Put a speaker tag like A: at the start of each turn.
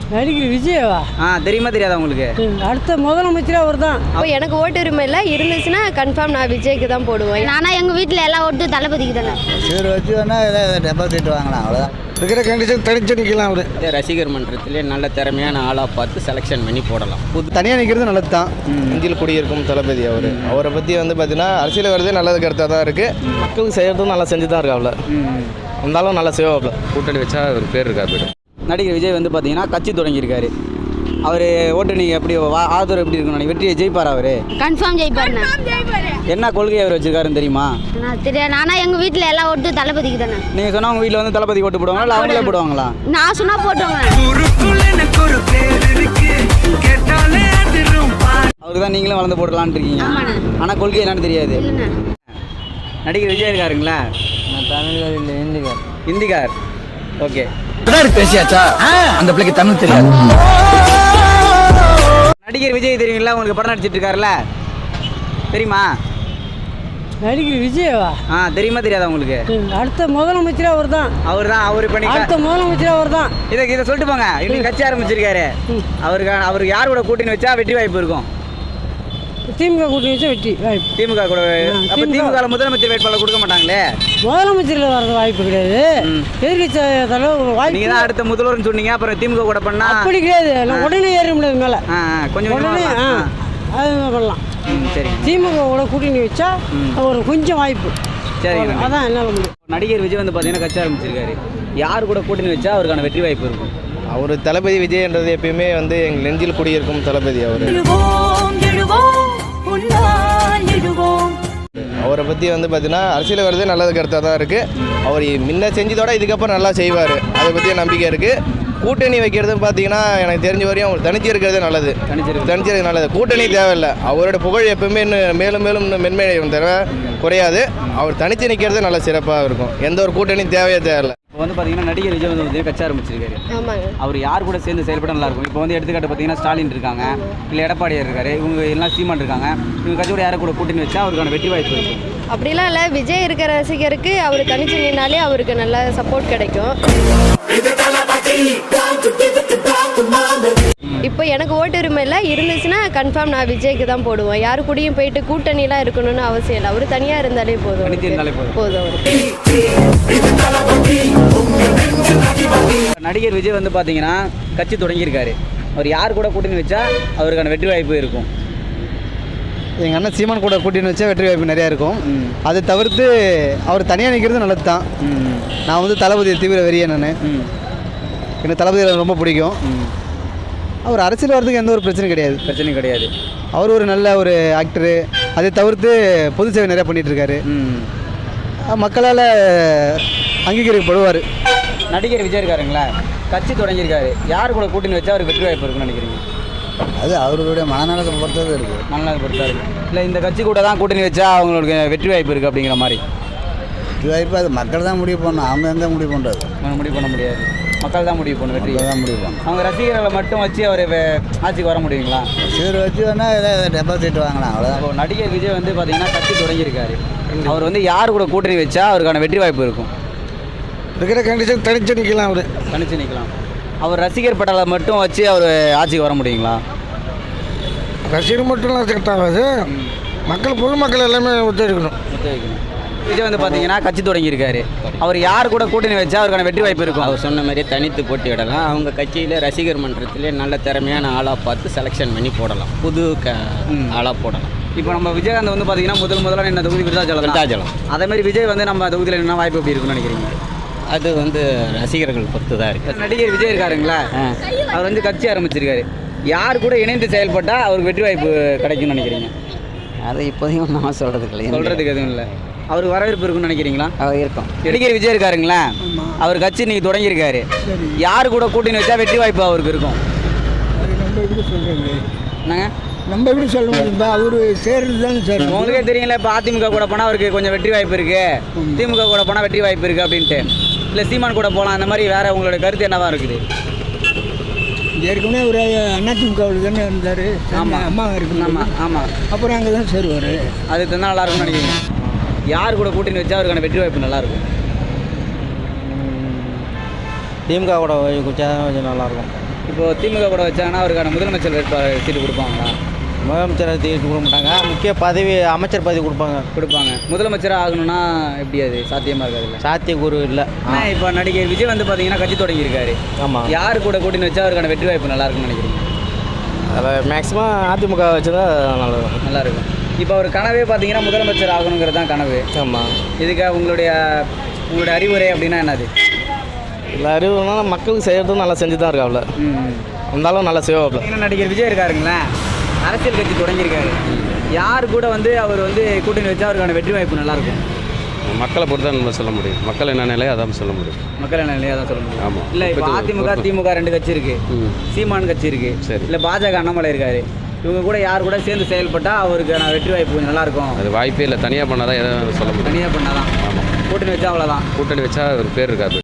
A: நடிகர் விஜயவா?
B: தெரியுமா தெரியாதா உங்களுக்கு?
A: அடுத்த முதலமைச்சரே அவர் தான்.
C: இப்போ எனக்கு ஓட்டு உரிமை இல்லை, இருந்துச்சுன்னா கன்ஃபார்ம் நான் விஜய்க்கு தான் போடுவேன்.
D: ஆனால் எங்கள் வீட்டில் எல்லாம் ஓட்டு தளபதிக்கு தானே.
E: சரி வச்சு வேணா ஏதாவது டெபாசிட் வாங்கலாம், அவ்வளோதான்.
F: இருக்கிற கண்டிஷன் தனிச்சு நிற்கலாம். அவர்
G: ரசிகர் மன்றத்திலே நல்ல திறமையான ஆளாக பார்த்து செலெக்ஷன் பண்ணி போடலாம்.
H: தனியாக நிற்கிறது நல்லது தான். நெஞ்சில் குடியிருக்கும் தளபதி அவரை பற்றி வந்து பார்த்தீங்கன்னா அரசியல் வரதே நல்லது கருத்தாக தான் இருக்குது. மக்களுக்கு செய்கிறதும் நல்லா செஞ்சு தான் இருக்காப்புல. இருந்தாலும் நல்லா செய்வாப்புல.
G: கூட்டணி வச்சா ஒரு பேர் இருக்கா போய்ட்டு.
B: நடிகர் விஜய் வந்து பார்த்தீங்கன்னா கட்சி தொடங்கியிருக்காரு. அவர் ஓட்டு நீங்கள் எப்படி ஆதரவு எப்படி இருக்கணும்? வெற்றியை ஜெயிப்பார் அவர்?
D: கன்ஃபார்ம் ஜெயிப்பாருண்ணா.
B: என்ன கொள்கை அவர் வச்சிருக்காருன்னு தெரியுமா?
D: நான் தெரியாது. ஆனால் எங்கள் வீட்டில் எல்லாம் ஓட்டு தளபதிக்கு தானே.
B: நீங்கள் சொன்னால் உங்கள் வீட்டில் வந்து தளபதி ஓட்டு போடுவாங்களா இல்லை அவங்களே போடுவாங்களா?
D: நான் சொன்னால் போட்டுவாங்க.
B: அவருக்கு தான் நீங்களும் வளர்ந்து போடலான்னு இருக்கீங்க. ஆனால் கொள்கை என்னன்னு தெரியாது. நடிகர் விஜய் இருக்காருங்களா?
A: நான் தமிழ்கார் இல்லை, ஹிந்திகார்.
B: ஹிந்திகார், ஓகே.
E: பேசியாச்சா? அந்த பிள்ளைக்கு தமிழ் தெரியாது.
B: நடிகர் விஜய் தெரியுங்களா உங்களுக்கு? படம் நடிச்சிட்டு இருக்காருல்ல, தெரியுமா?
A: நடிகர் விஜயவா?
B: தெரியுமா தெரியாதா உங்களுக்கு?
A: அடுத்த முதலமைச்சரே அவர் தான்.
B: அவர் பண்ணி
A: அடுத்த முதலமைச்சரே அவர் தான்.
B: இதை சொல்லிட்டு போங்க. இன்னைக்கு கட்சி ஆரம்பிச்சிருக்காரு. அவருக்கு யார் கூட கூட்டணி வச்சா வெற்றி வாய்ப்பு இருக்கும்?
A: திமுக கூட்டணி வச்சா வெற்றி வாய்ப்பு.
B: திமுக கூட. அப்ப திமுக முதலமைச்சர் வேட்பாளர் கொடுக்க மாட்டாங்களே?
A: முதலமைச்சரில் வர்றது வாய்ப்பு கிடையாது. எதிர்கட்சி தலைவர் வாய்ப்பு.
B: நீங்க தான் அடுத்த முதல்வர்னு சொன்னீங்க, அப்புறம் திமுக கூட பண்ணா
A: அப்படி கிடையாது. உடனே ஏற முடியாது மேலே.
B: கொஞ்சம்
A: உடனே அது பண்ணலாம்.
B: சரி.
A: திமுக கூட கூட்டணி வச்சா ஒரு கொஞ்சம் வாய்ப்பு.
B: சரி,
A: அதான் என்னால் முடியும்.
B: நடிகர் விஜய் வந்து பார்த்தீங்கன்னா கட்சி ஆரம்பிச்சிருக்காரு. யார் கூட கூட்டணி வச்சா அவருக்கான வெற்றி வாய்ப்பு இருக்கும்?
H: அவர் தளபதி விஜய்ன்றது எப்பயுமே வந்து எங்கள் நெஞ்சில் குடியிருக்கும் தளபதி அவரை பற்றி வந்து பார்த்தீங்கன்னா அரசியல் வரதே நல்லது கருத்தாக தான் இருக்குது. அவர் முன்ன செஞ்சதோட இதுக்கப்புறம் நல்லா செய்வார், அதை பற்றிய நம்பிக்கை இருக்குது. கூட்டணி வைக்கிறதுன்னு பார்த்தீங்கன்னா எனக்கு தெரிஞ்ச வரையும் அவர் தனிச்சு இருக்கிறதே நல்லது. தனிச்சு நல்லது. கூட்டணி தேவையில்லை. அவரோட புகழ் எப்பவுமே இன்னும் மேலும் மேலும் இன்னும் மென்மையும் தவிர குறையாது. அவர் தனிச்சு நிற்கிறது நல்ல சிறப்பாக இருக்கும். எந்த ஒரு கூட்டணியும் தேவையில்லை.
B: இப்போ வந்து பார்த்தீங்கன்னா நடிகர் விஜய் வந்து கட்சி ஆரம்பிச்சிருக்காரு. அவர் யார் கூட சேர்ந்து செயல்பட நல்லா இருக்கும்? இப்போ வந்து எடுத்துக்காட்டு பார்த்தீங்கன்னா ஸ்டாலின் இருக்காங்க, இல்லை எடப்பாடியார் இருக்காரு, இவங்க எல்லாம் சீமான் இருக்காங்க. இவங்க கட்சியோட யாரை கூட கூட்டணி வச்சா அவருக்கான வெற்றி வாய்ப்பு இருக்கும்?
C: அப்படிலாம் இல்லை. விஜய் இருக்கிற ரசிகருக்கு அவர் தனிச்சு நின்னாலே அவருக்கு நல்ல சப்போர்ட் கிடைக்கும். இப்போ எனக்கு ஓட்டு உரிமை இல்லை, இருந்துச்சுன்னா கன்ஃபார்ம் நான் விஜய்க்கு தான் போடுவேன். யாரு கூடயும் போயிட்டு கூட்டணிலாம் இருக்கணும்னு அவசியம் இல்லை. அவர் தனியாக இருந்தாலே போதும்.
B: நடிகர் விஜய் வந்து பார்த்தீங்கன்னா கட்சி தொடங்கியிருக்காரு. அவர் யார் கூட கூட்டணி வச்சா அவருக்கான வெற்றி வாய்ப்பு இருக்கும்?
H: எங்கள் அண்ணன் சீமான் கூட கூட்டணி வச்சா வெற்றி வாய்ப்பு நிறையா இருக்கும். அதை தவிர்த்து அவர் தனியாக நிற்கிறது நல்லது தான். நான் வந்து தளபதி தீவிர வெறிய. எனக்கு தளபதியில் ரொம்ப பிடிக்கும். அவர் அரசியல் வரதுக்கு எந்த ஒரு பிரச்சனையும் கிடையாது. அவர் ஒரு நல்ல ஒரு ஆக்டரு. அதை தவிர்த்து பொது சேவை நிறையா பண்ணிகிட்ருக்காரு. மக்களால் அங்கீகரிக்கப்படுவார்.
B: நடிகர் விஜய் இருக்காருங்களா? கட்சி தொடங்கியிருக்காரு. யார் கூட கூட்டணி வச்சா அவருக்கு வெற்றி வாய்ப்பு இருக்குன்னு நினைக்கிறீங்க?
E: அது அவர்களுடைய மனநலத்தை பொறுத்தது இருக்குது.
B: மனநலத்தை பொறுத்தா இருக்குது. இல்லை இந்த கட்சி கூட தான் கூட்டணி வச்சா அவங்களுக்கு வெற்றி வாய்ப்பு இருக்குது அப்படிங்கிற மாதிரி?
E: வெற்றி வாய்ப்பு அது மக்கள் தான் முடிவு பண்ணணும். அவங்க எந்த முடிவு பண்ணுறது?
B: முடிவு பண்ண முடியாது. மக்கள் தான் முடிவு பண்ணணும். வெற்றி
E: தான் முடிவு பண்ணணும்.
B: அவங்க ரசிகர்களை மட்டும் வச்சு அவர் ஆட்சிக்கு வர முடியுங்களா?
E: சரி வச்சு வேணா ஏதாவது டெபாசிட் வாங்கலாம், அவ்வளோதான்.
B: இப்போ நடிகர் விஜய் வந்து பார்த்தீங்கன்னா கட்சி தொடங்கியிருக்காரு. அவர் வந்து யார் கூட கூட்டணி வச்சா அவருக்கான வெற்றி வாய்ப்பு இருக்கும்?
F: இருக்கிற கண்டிஷன் தனிச்சு நிற்கலாம். அவர்
B: தனிச்சு நிற்கலாம். அவர் ரசிகர் பட்டாளை மட்டும் வச்சு அவர் ஆட்சிக்கு வர முடியுங்களா?
F: ரசிகர் மட்டும்லாம் செட் ஆகாது. பொதுமக்கள் எல்லாமே ஒத்துழைக்கணும்.
B: விஜய் வந்து பார்த்தீங்கன்னா கட்சி தொடங்கியிருக்காரு. அவர் யார் கூட கூட்டணி வச்சா அவருக்கான வெற்றி வாய்ப்பு இருக்கும்?
G: அவர் சொன்ன மாதிரியே தனித்து போட்டியிடலாம். அவங்க கட்சியில் ரசிகர் மன்றத்திலே நல்ல திறமையான ஆளாக பார்த்து செலெக்ஷன் பண்ணி போடலாம். புது ஆளாக போடலாம்.
B: இப்போ நம்ம விஜயகாந்த் வந்து பார்த்தீங்கன்னா முதல்ல என்ன தொகுதி விருதாச்சலம். அதேமாதிரி விஜய் வந்து நம்ம தொகுதியில் என்ன வாய்ப்பு எப்படி இருக்குன்னு நினைக்கிறீங்க?
G: அது வந்து ரசிகர்கள் பொறுத்து தான் இருக்குது.
B: நடிகர் விஜய் இருக்காருங்களா? அவர் வந்து கட்சி ஆரம்பிச்சிருக்காரு. யார் கூட இணைந்து செயல்பட்டால் அவருக்கு வெற்றி வாய்ப்பு கிடைக்கும்னு நினைக்கிறீங்க?
G: அதை இப்போதையும் நான்
B: சொல்கிறதுக்கு எதுவும் இல்லை. அவருக்கு வரவேற்பு இருக்குன்னு நினைக்கிறீங்களா?
G: இருக்கும்.
B: நடிகர் விஜய் இருக்காருங்களா? அவர் கட்சி இன்னைக்கு தொடங்கியிருக்காரு. யார் கூட கூட்டணி வச்சா வெற்றி வாய்ப்பு அவருக்கு இருக்கும்? என்னங்க
F: நம்ம எப்படி சொல்ல முடியும்? அவர் சேர்றது தான் சார்.
B: உங்களுக்கே தெரியல. இப்போ அதிமுக கூட போனால் அவருக்கு கொஞ்சம் வெற்றி வாய்ப்பு இருக்குது, திமுக கூட போனால் வெற்றி வாய்ப்பு இருக்குது அப்படின்ட்டு. இல்லை சீமான் கூட போகலாம், அந்த மாதிரி வேறு உங்களோட கருத்து என்னவா இருக்குது?
F: ஏற்கனவே ஒரு அதிமுகவில் தானே இருந்தார்.
B: ஆமாம்,
F: அம்மா இருக்கு.
B: ஆமாம்.
F: அப்புறம் அங்கே தான் சேருவார்.
B: அது தான் நல்லா இருக்கும்னு நினைக்கிறீங்க? யார் கூட கூட்டணி வச்சா அவருக்கான வெற்றி வாய்ப்பு நல்லாயிருக்கும்?
H: திமுக கூட கொஞ்சம் நல்லாயிருக்கும்.
B: இப்போ திமுக கூட வச்சாங்கன்னா அவருக்கான முதலமைச்சர் வேட்பாளர் சீட்டு கொடுப்பாங்களா?
H: முதலமைச்சர் கொடுக்க மாட்டாங்க, முக்கிய பதவி அமைச்சர் பதவி
B: கொடுப்பாங்க. முதலமைச்சராக ஆகணும்னா எப்படி அது சாத்தியமாக இருக்காதுல்ல?
H: சாத்தியக்கூறு இல்லை.
B: ஆனால் இப்போ நடிகர் விஜய் வந்து பார்த்தீங்கன்னா கட்சி தொடங்கியிருக்காரு.
H: ஆமாம்,
B: யார் கூட கூட்டின்னு வச்சா அவருக்கான வெற்றி வாய்ப்பு நல்லா இருக்கும்னு நினைக்கிறீங்க?
H: அதில் மேக்ஸிமம் அதிமுக வச்சு தான் நல்லாயிருக்கும்.
B: நல்லாயிருக்கும். இப்போ அவர் கனவே பார்த்தீங்கன்னா முதலமைச்சர் ஆகணுங்கிறது தான் கனவு.
H: ஆமாம்.
B: இதுக்காக உங்களுடைய அறிவுரை அப்படின்னா என்னது?
H: இல்லை அறிவுனா மக்களுக்கு செய்கிறதும் நல்லா செஞ்சு தான் இருக்காப்புல. இருந்தாலும் நல்லா செய்வாப்புல.
B: ஏன்னா நடிகர் விஜய் இருக்காருங்களேன், அரசியல் கட்சி தொடங்கியிருக்காரு. யார் கூட வந்து அவர் வந்து கூட்டணி வச்சா அவருக்கான வெற்றி வாய்ப்பு நல்லாயிருக்கும்?
I: மக்களை பொறுத்து தான் நம்ம சொல்ல முடியும். மக்கள் என்ன நிலையோ அதான் சொல்ல முடியும்.
B: மக்கள் என்ன நிலையோ அதான் சொல்ல முடியும்.
I: ஆமாம்.
B: இல்லை இப்போ அதிமுக திமுக 2 கட்சி இருக்குது, சீமான் கட்சி இருக்குது,
I: சரி.
B: இல்லை பாஜக அண்ணாமலை இருக்காரு. இவங்க கூட யார் கூட சேர்ந்து செயல்பட்டால் அவருக்கான வெற்றி வாய்ப்பு கொஞ்சம் நல்லாயிருக்கும்?
I: அது வாய்ப்பே இல்லை. தனியாக பண்ணால் தான் எதாவது சொல்ல முடியும்.
B: தனியாக பண்ணால் தான்.
I: ஆமாம்.
B: கூட்டணி வச்சா அவ்வளோதான்.
I: கூட்டணி வச்சா ஒரு பேர் இருக்காது.